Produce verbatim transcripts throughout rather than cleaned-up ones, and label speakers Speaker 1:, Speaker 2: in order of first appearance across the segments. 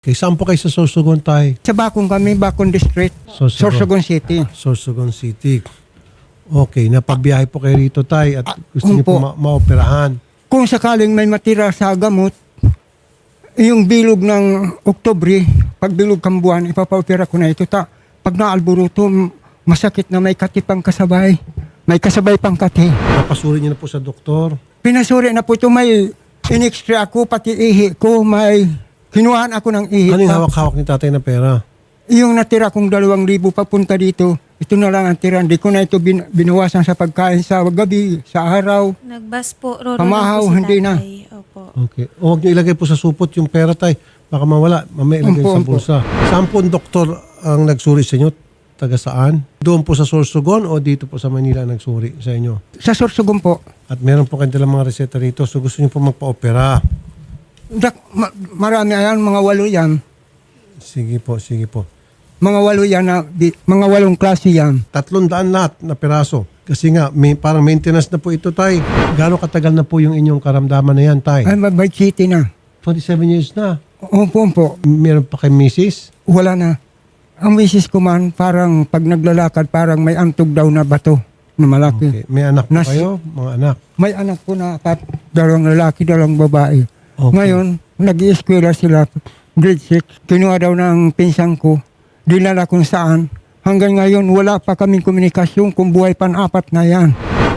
Speaker 1: Okay, saan po kayo sa Sorsogon tayo?
Speaker 2: Sa Bakong kami, Bakong District,
Speaker 1: Sorsogon.
Speaker 2: Sorsogon City.
Speaker 1: Sorsogon City. Okay, napabiyahe po kayo rito tayo at gusto
Speaker 2: um
Speaker 1: niyo po
Speaker 2: po.
Speaker 1: ma- maoperahan.
Speaker 2: Kung sakaling may matira sa gamot, yung bilog ng Oktubre, pag bilog kang buwan, ipapaopera ko na ito. Ta, pag naalburuto, m- masakit na may kati pang kasabay. May kasabay pang kati.
Speaker 1: Napasuri niyo na po sa doktor.
Speaker 2: Pinasuri na po ito, may in-extra ako, pati ihi ko, may kinuhaan ako ng ihi.
Speaker 1: Ano yung
Speaker 2: pa.
Speaker 1: hawak-hawak ni tatay na pera?
Speaker 2: Yung natira kong dalawang libo papunta dito, ito na lang ang tira. Hindi ko na ito bin, binuwasan sa pagkain sa gabi, sa araw.
Speaker 3: Nagbas po, Roro
Speaker 2: Pamahaw,
Speaker 3: lang po si
Speaker 2: hindi na.
Speaker 3: tatay. Opo.
Speaker 1: Okay. O huwag niyo ilagay po sa supot yung pera tay. Baka mawala. Mamaya ilagay
Speaker 2: Umpo,
Speaker 1: sa
Speaker 2: umpo.
Speaker 1: bulsa. Saan po ang doktor ang nagsuri sa inyo? Taga saan? Doon po sa Sorsogon o dito po sa Manila ang nagsuri sa inyo?
Speaker 2: Sa Sorsogon po.
Speaker 1: At meron po kanilang mga reseta rito. So gusto niyo po magpa-opera.
Speaker 2: Dak, ma- marami yan, mga walo yan.
Speaker 1: Sige po, sige po.
Speaker 2: Mga walo yan, na, di, mga walong klase yan.
Speaker 1: Tatlong daan lahat na piraso. Kasi nga, may, parang maintenance na po ito, tay. Gano'ng katagal na po yung inyong karamdaman na yan, tay?
Speaker 2: Ay, mabay city na.
Speaker 1: twenty-seven years na.
Speaker 2: Opo, opo.
Speaker 1: Meron pa kay misis?
Speaker 2: Wala na. Ang misis ko man, parang pag naglalakad, parang may antog daw na bato na malaki.
Speaker 1: Okay. May anak po
Speaker 2: Nas-
Speaker 1: kayo? Mga anak?
Speaker 2: May anak ko na apat, dalawang lalaki, dalawang babae.
Speaker 1: Okay.
Speaker 2: Ngayon, nag-i-eskwela sila, grade six. Kinuha daw ng pinsang ko, dinala kung saan. Hanggang ngayon, wala pa kaming komunikasyon kung buhay pan-apat na yan.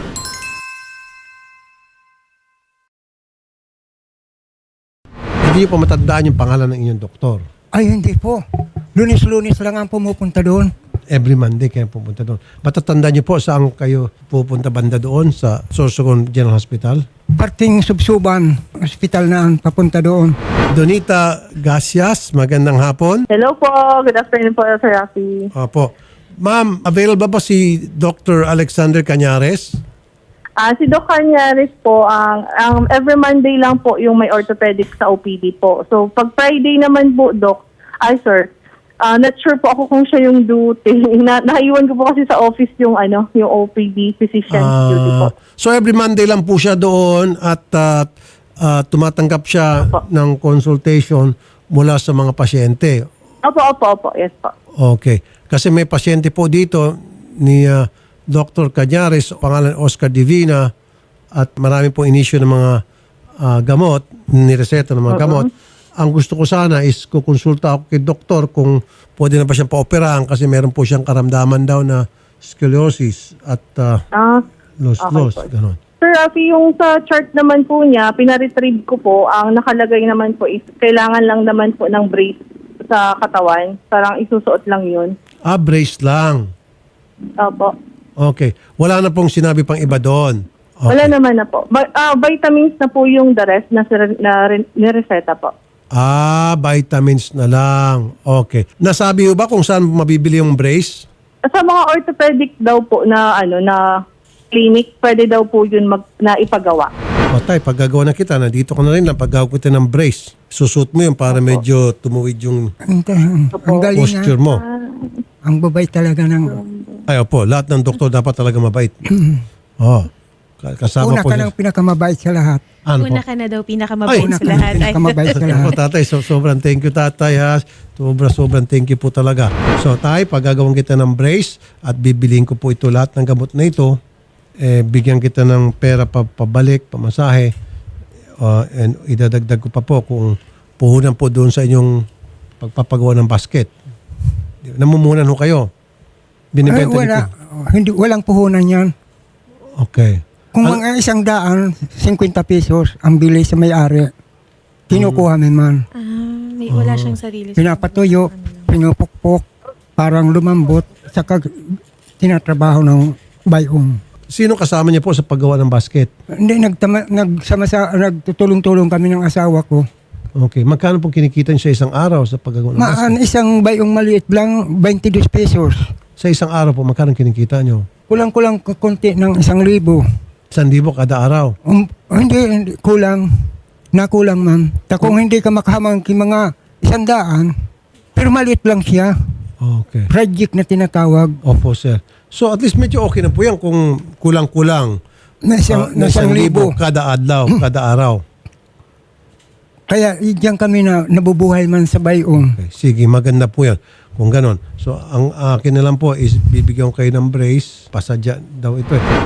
Speaker 1: Hindi niyo pa matandaan yung pangalan ng inyong doktor.
Speaker 2: Ay, hindi po. Lunis-lunis lang ang pumupunta doon.
Speaker 1: Every Monday kayo pupunta doon. Matatandaan niyo po saan kayo pupunta banda doon sa Sorsogon General Hospital?
Speaker 2: Parting subsuban, hospital na ang papunta doon.
Speaker 1: Donita Gacias, magandang hapon.
Speaker 4: Hello po. Good afternoon po, Sir Rafi.
Speaker 1: Opo. Ma'am, available ba si Doctor Alexander Cañares?
Speaker 4: Ah, si Doc Cañares po, ang ang every Monday lang po yung may orthopedic sa O P D po. So, pag Friday naman po, Doc, ay sir, ah, not sure po ako kung siya yung duty. Na, naiwan ko po kasi sa office yung ano, yung O P D physician duty po.
Speaker 1: Ah, so every Monday lang po siya doon at ah, ah, tumatanggap siya
Speaker 4: Opo.
Speaker 1: ng consultation mula sa mga pasyente.
Speaker 4: Opo, opo, opo. Yes po.
Speaker 1: Okay. Kasi may pasyente po dito ni ah, Doctor Cañares, pangalan Oscar Divina, at marami po inisyo ng mga ah, gamot, nireseta ng mga
Speaker 4: Oo.
Speaker 1: gamot. Ang gusto ko sana is kukonsulta ako kay doktor kung pwede na ba siyang paoperahan kasi meron po siyang karamdaman daw na scoliosis at uh,
Speaker 4: Ah,
Speaker 1: los-los.
Speaker 4: Okay po.
Speaker 1: Ganon.
Speaker 4: Sir Rafi, yung sa chart naman po niya, pinaretrieve ko po, ang nakalagay naman po is kailangan lang naman po ng brace sa katawan. Parang isusuot lang yun.
Speaker 1: Ah, brace lang.
Speaker 4: Opo.
Speaker 1: Okay. Wala na pong sinabi pang iba doon. Okay.
Speaker 4: Wala naman na po. Ba- ah, vitamins na po yung the rest na, sir- na rin- nireseta po.
Speaker 1: Ah, vitamins na lang. Okay. Nasabi mo ba kung saan mabibili yung brace?
Speaker 4: Sa mga orthopedic daw po na ano na clinic, pwede daw po yun mag, na ipagawa.
Speaker 1: O tay, paggagawa na kita, nandito ka na rin lang, paggagawa kita ng brace. Susut mo yun para medyo tumuwid yung
Speaker 2: Ang, ang, ang galing
Speaker 1: posture
Speaker 2: nga.
Speaker 1: mo.
Speaker 2: Ang babay talaga ng...
Speaker 1: Ay, opo, lahat ng doktor dapat talaga mabait. oh, ka- kasama
Speaker 2: Una
Speaker 1: po
Speaker 2: ka
Speaker 1: niya.
Speaker 2: ng pinakamabait sa lahat.
Speaker 1: Ano po?
Speaker 3: Una ka na daw
Speaker 1: Ay,
Speaker 3: pinakamabait
Speaker 2: Una
Speaker 3: sa
Speaker 2: ka ng
Speaker 3: lahat. Ay.
Speaker 2: pinakamabait sa
Speaker 1: Opo,
Speaker 2: lahat.
Speaker 1: tatay, so, sobrang thank you tatay ha. Sobra, sobrang thank you po talaga. So tay, paggagawin kita ng brace at bibiliin ko po ito lahat ng gamot na ito. Eh, bigyan kita ng pera pa, pabalik, pamasahe. Uh, and idadagdag ko pa po kung puhunan po doon sa inyong pagpapagawa ng basket. Namumunan ho kayo.
Speaker 2: Ay,
Speaker 1: Binibenta
Speaker 2: wala.
Speaker 1: niyo
Speaker 2: Hindi, walang puhunan yan.
Speaker 1: po. Okay.
Speaker 2: Kung
Speaker 1: Al-
Speaker 2: mga isang daan, fifty pesos ang bili sa may-ari. Kinukuha
Speaker 1: Mm.
Speaker 2: mo man.
Speaker 3: Ah, may wala siyang sarili.
Speaker 2: Pinapatuyo,
Speaker 3: Ano lang.
Speaker 2: pinupukpok, parang lumambot, saka tinatrabaho ng bayong.
Speaker 1: Sino kasama niya po sa paggawa ng basket?
Speaker 2: Hindi, nagtama, nagsama sa, nagtutulong-tulong kami ng asawa ko.
Speaker 1: Okay. Magkano po kinikita niyo sa isang araw sa paggawa ng basket?
Speaker 2: Maan, isang bayong maliit lang, twenty-two pesos.
Speaker 1: Sa isang araw po, magkano kinikita niyo?
Speaker 2: Kulang-kulang konti ng isang libo.
Speaker 1: San libo kada araw.
Speaker 2: Um, hindi, hindi, kulang. Nakulang, ma'am. Ta kung hindi ka makahamang ki mga isang daan, pero maliit lang siya.
Speaker 1: Okay.
Speaker 2: Project na tinatawag.
Speaker 1: Opo, sir. So, at least medyo okay na po yan kung kulang-kulang
Speaker 2: Na isang,
Speaker 1: ah,
Speaker 2: na isang libo.
Speaker 1: kada adlaw, kada araw.
Speaker 2: Kaya diyan kami na nabubuhay man sa bayong.
Speaker 1: Okay, sige, maganda po yan. Kung ganon. So, ang akin na lang po is bibigyan ko kayo ng brace. Pasadya daw ito eh.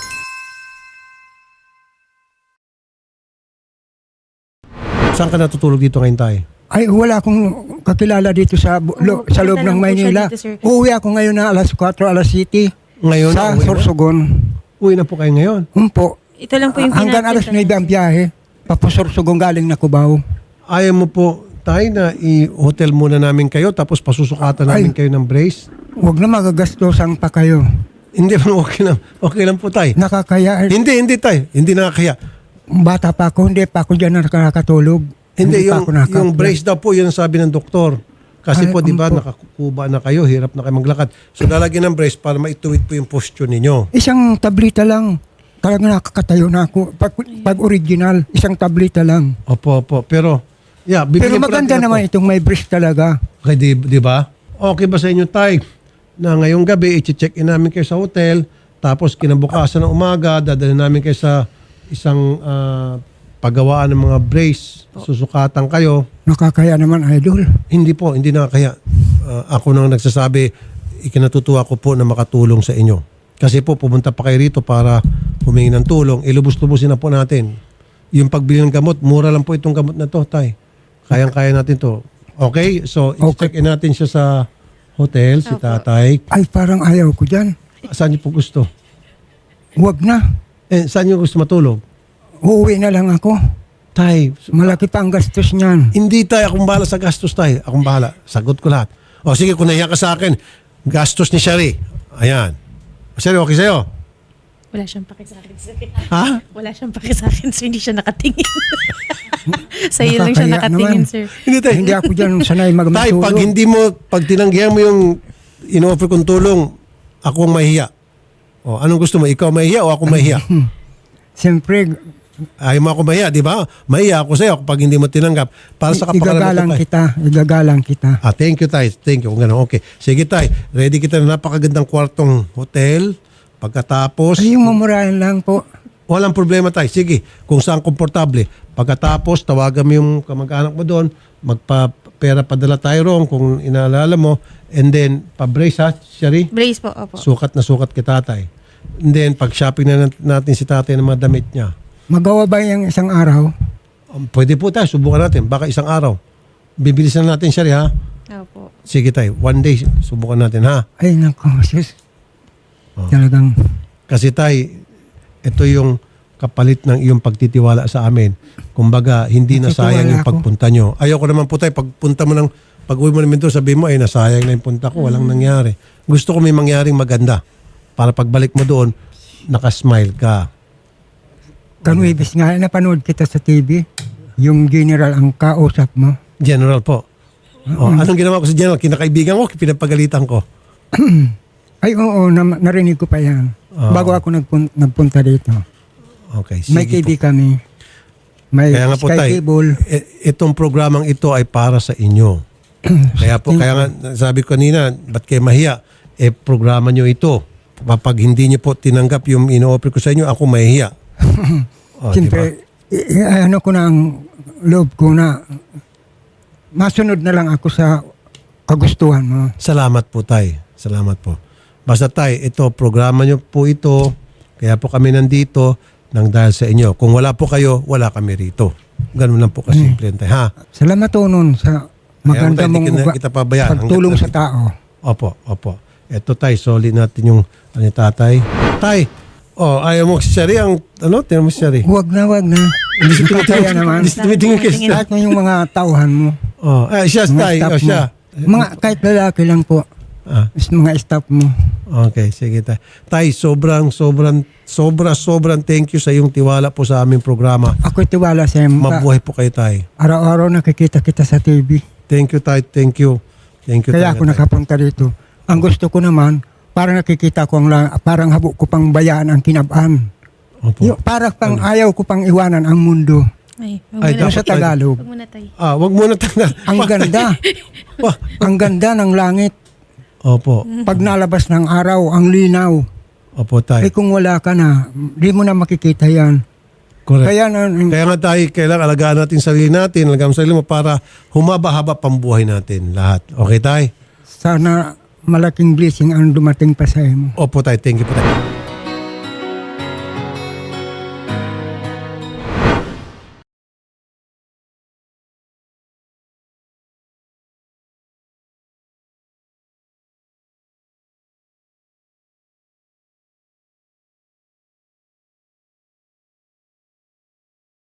Speaker 1: Saan ka natutulog dito ngayon tayo?
Speaker 2: Ay, wala akong kakilala dito sa bu- lo-
Speaker 3: Oo,
Speaker 2: sa loob
Speaker 3: punta
Speaker 2: ng
Speaker 3: lang po siya
Speaker 2: Maynila.
Speaker 3: dito, sir.
Speaker 2: Uuwi ako ngayon na alas kwatro, alas City.
Speaker 1: Ngayon
Speaker 2: Sa
Speaker 1: na, uwi na?
Speaker 2: Sorsogon.
Speaker 1: Uwi na po kayo ngayon.
Speaker 2: Umpo.
Speaker 3: Ito lang po yung
Speaker 2: Hanggang alas
Speaker 3: pinapit-
Speaker 2: nueve ang biyahe. Papasorsogon galing na Cubao.
Speaker 1: Ayaw mo po tayo na i-hotel muna namin kayo tapos pasusukatan namin
Speaker 2: Ay.
Speaker 1: kayo ng brace?
Speaker 2: Huwag na magagastos pa kayo.
Speaker 1: Hindi man okay lang. Okay lang po tayo.
Speaker 2: Nakakaya.
Speaker 1: Hindi, hindi tayo. Hindi nakakaya.
Speaker 2: Bata pa ako, hindi pa ako dyan nakakatulog.
Speaker 1: Hindi,
Speaker 2: pa
Speaker 1: yung,
Speaker 2: ako nakaka-
Speaker 1: yung brace daw po, yun ang sabi ng doktor. Kasi
Speaker 2: Ay,
Speaker 1: po, di ba,
Speaker 2: umpo.
Speaker 1: nakakuba na kayo, hirap na kayo maglakad. So, lalagyan ng brace para maituwid po yung posture ninyo.
Speaker 2: Isang tablita lang. Talaga nakakatayo na ako. Pag, pag original, isang tablita lang.
Speaker 1: Opo, opo. Pero, yeah,
Speaker 2: Pero
Speaker 1: bibigyan po
Speaker 2: maganda
Speaker 1: natin
Speaker 2: naman
Speaker 1: ito.
Speaker 2: itong may brace talaga.
Speaker 1: Okay, di, di ba? Okay ba sa inyo, Tay, na ngayong gabi, i-check in namin kayo sa hotel, tapos kinabukasan ng umaga, dadalhin namin kayo sa isang ah, paggawaan ng mga brace, susukatan kayo.
Speaker 2: Nakakaya naman, idol.
Speaker 1: Hindi po, hindi na kaya. Ah, ako nang nagsasabi, ikinatutuwa ko po na makatulong sa inyo. Kasi po, pumunta pa kayo rito para humingi ng tulong. Ilubos-lubusin na po natin. Yung pagbili ng gamot, mura lang po itong gamot na to, Tay. Kayang-kaya natin to. Okay? So,
Speaker 2: Okay.
Speaker 1: i-check in natin siya sa hotel, si
Speaker 3: Opo.
Speaker 1: Tatay.
Speaker 2: Ay, parang ayaw ko dyan.
Speaker 1: Saan niyo po gusto?
Speaker 2: Huwag na.
Speaker 1: Eh, saan niyo gusto matulog?
Speaker 2: Uuwi na lang ako.
Speaker 1: Tay,
Speaker 2: Malaki pa ang gastos niyan.
Speaker 1: hindi tayo. Akong bahala sa gastos, Tay. Akong bahala. Sagot ko lahat. O sige, kung nahiya ka sa akin, gastos ni Shari. Ayan. Shari, okay sa'yo?
Speaker 3: Wala siyang paki sa akin, sir.
Speaker 1: Ha?
Speaker 3: Wala siyang paki sa akin, sir. Hindi siya nakatingin. Sa iyo lang siya
Speaker 2: Nakakaya
Speaker 3: nakatingin,
Speaker 2: naman.
Speaker 3: sir.
Speaker 1: Hindi, Tay.
Speaker 2: Hindi ako dyan sanay
Speaker 1: Tay,
Speaker 2: magmatulog.
Speaker 1: pag hindi mo, pag tinanggihan mo yung in-offer kong tulong, ako ang mahiya. O, anong gusto mo? Ikaw mahiya o ako mahiya?
Speaker 2: Siyempre,
Speaker 1: Ayaw mo ako mahiya, di ba? Mahiya ako sa'yo kapag hindi mo tinanggap. Para sa kapakanan
Speaker 2: igagalang
Speaker 1: mo, Tay.
Speaker 2: kita. Igagalang kita.
Speaker 1: Ah, thank you, Tay. Thank you. Kung gano'n, okay. Sige, Tay. Ready kita na napakagandang kwartong hotel. Pagkatapos,
Speaker 2: Ay, yung mamurayan lang po.
Speaker 1: walang problema, Tay. Sige, kung saan komportable. Pagkatapos, tawagan mo yung kamag-anak mo doon. Magpa-pera padala tayo ron kung inaalala mo. And then, pa-brace ha, Shari?
Speaker 3: Brace po, opo.
Speaker 1: Sukat na sukat kay Tatay. And then, pag-shopping na nat- natin si Tatay ng mga damit niya.
Speaker 2: Magawa ba yung isang araw?
Speaker 1: Um, pwede po tayo, subukan natin. Baka isang araw. Bibilisan natin, Shari, ha?
Speaker 3: Opo.
Speaker 1: Sige, Tay. One day, subukan natin, ha?
Speaker 2: Ay, naku, sis.
Speaker 1: Oh.
Speaker 2: Talagang,
Speaker 1: Kasi, Tay, ito yung kapalit ng iyong pagtitiwala sa amin. Kumbaga, hindi na
Speaker 2: Nagtitiwala
Speaker 1: sayang yung
Speaker 2: ako.
Speaker 1: pagpunta nyo. Ayoko naman po, Tay, pagpunta mo ng, pag-uwi mo namin doon, sabihin mo, ay, nasayang na yung punta ko, walang nangyari. Gusto ko may mangyaring maganda. Para pagbalik mo doon, nakasmile ka.
Speaker 2: kanwibis nga, napanood kita sa T V. Yung general ang kausap mo.
Speaker 1: General po. Oh, anong ginawa ko sa General? Kinakaibigan ko, pinapagalitan ko.
Speaker 2: Ay, oo, na, narinig ko pa yan.
Speaker 1: Ah.
Speaker 2: Bago ako nagpun- nagpunta dito.
Speaker 1: Okay, sige
Speaker 2: May T V
Speaker 1: po.
Speaker 2: kami. May
Speaker 1: Kaya nga po,
Speaker 2: Sky
Speaker 1: Tay,
Speaker 2: Cable.
Speaker 1: i- itong programang ito ay para sa inyo. Kaya po, kaya nga sabi ko kanina, ba't kayo mahiya? Eh, programa nyo ito. Kapag hindi nyo po tinanggap yung ino-offer ko sa inyo, ako mahihiya. Oh,
Speaker 2: Siyempre, i- i- ano ko na ang loob ko na masunod na lang ako sa kagustuhan mo.
Speaker 1: Salamat po, Tay. Salamat po. Basta, Tay, ito, programa nyo po ito. Kaya po kami nandito nang dahil sa inyo. Kung wala po kayo, wala kami rito. Ganun lang po kasimple, Tay. Ha?
Speaker 2: Salamat to nun sa maganda
Speaker 1: Kaya mo, Tay,
Speaker 2: mong
Speaker 1: di kita-
Speaker 2: uga-
Speaker 1: kita pabayaan.
Speaker 2: pagtulong
Speaker 1: Hanggat
Speaker 2: sa tao.
Speaker 1: Opo, opo. Ito, Tay, solid natin yung ano, ni Tatay. Tay, oh, ayaw mo si Shari ang, ano, tinan mo si Shari.
Speaker 2: Huwag na, huwag na.
Speaker 1: Hindi siya
Speaker 2: Nakakaya
Speaker 1: tumitingin,
Speaker 2: naman.
Speaker 1: hindi siya tumitingin kay Shari.
Speaker 2: Lahat mo yung mga tauhan mo.
Speaker 1: Oh, eh, siya,
Speaker 2: Mga
Speaker 1: Tay,
Speaker 2: staff
Speaker 1: oh, siya.
Speaker 2: mo. Mga, kahit lalaki lang po.
Speaker 1: Ah,
Speaker 2: Is mga staff mo.
Speaker 1: okay, sige, Tay. Tay, sobrang, sobrang, sobra, sobrang thank you sa iyong tiwala po sa aming programa.
Speaker 2: Ako tiwala sa iyo.
Speaker 1: Mabuhay po kayo, Tay.
Speaker 2: Araw-araw nakikita kita sa T V.
Speaker 1: Thank you, Tay. Thank you. Thank you,
Speaker 2: Kaya
Speaker 1: talaga,
Speaker 2: ako
Speaker 1: Tay.
Speaker 2: nakapunta dito. Ang gusto ko naman, parang nakikita ko ang la- parang habo ko pang bayaan ang kinabaan.
Speaker 1: Opo.
Speaker 2: Yung, parang pang ayaw ko pang iwanan ang mundo.
Speaker 3: Ay,
Speaker 1: Ay,
Speaker 3: wag
Speaker 2: Yung
Speaker 3: muna.
Speaker 2: sa Tagalog.
Speaker 3: Wag muna, Tay.
Speaker 1: Ah, wag muna tayo.
Speaker 2: Ang ganda. ang ganda ng langit.
Speaker 1: Opo.
Speaker 2: Pag nalabas ng araw, ang linaw.
Speaker 1: Opo, Tay.
Speaker 2: Eh kung wala ka na, di mo na makikita yan.
Speaker 1: Correct.
Speaker 2: Kaya na,
Speaker 1: Kaya nga tayo, kailangan alagaan natin sarili natin, alagaan mo sarili mo para humaba-haba pang buhay natin lahat. Okay, tay?
Speaker 2: sana malaking blessing ang dumating pa sa mo.
Speaker 1: Opo, tay. Thank you po, tay.